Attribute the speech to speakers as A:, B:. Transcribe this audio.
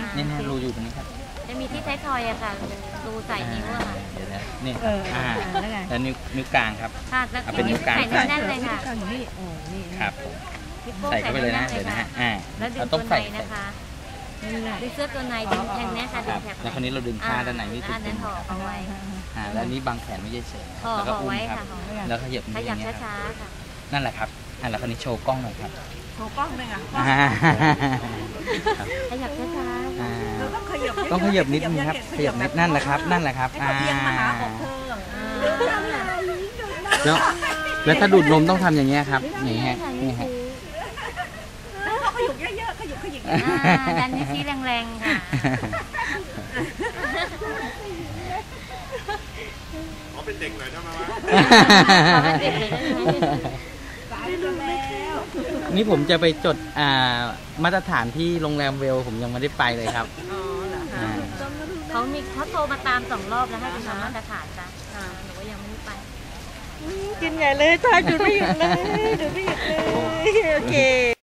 A: นี่รูอยู่ตรงนี้ครับ
B: จะมีที่ท้ายทอยอะค่ะรูใส่นิ้วอะค่ะ
A: เดี๋ยวนะนี่แล้วนิ้วกลางครับ
B: เป็นนิ้วกลางใส่แน่นเลยค่ะ
A: ครับใส่เข้าไปเลยนะเดี๋ยวนะฮะ
B: แล้วดึงตัวในนะคะดึงเสื้อตัวในดึงแทงเนี้ยค่ะดึงแถบ
A: แล้วคราวนี้เราดึงผ้าด้านในนี่ถูก
B: นั้นห่อเอาไว้
A: แล้วนี้บังแขนไม่เฉย
B: แล้วก็อุ้มครับ
A: แล้วขยับ
B: นิ้วอย่างเงี้ยช้าๆค่ะ
A: นั่นแหละครับแล้วคราวนี้โชว์กล้องหน่อยครับ
C: โชว์กล้องเลยค่ะ
B: ขยับช้า
A: ๆต้องขยับนิดนึงครับขยับนิดนั่นแหละครับแล้วถ้าดูดนมต้องทำอย่างเงี้ยครับอย่างเงี้ยนี่ฮะ
C: ขยุกเยอะๆขยุก
B: ดันนิ้วชี้แรงๆค่ะ
D: เขาเป็นเด็กหน่อยได้ไหมวะ
A: นี่ผมจะไปจดมาตรฐานที่โรงแรมเวลผมยังไม่ได้ไปเลยครับ
B: เขาโทรมาตาม2 รอบแล้วให้คุณทำมาตรฐานจ้ะหนูก็ยังไม่ได้ไป
C: กินใหญ่เลยทายดูไม่หยุดเลยโอเค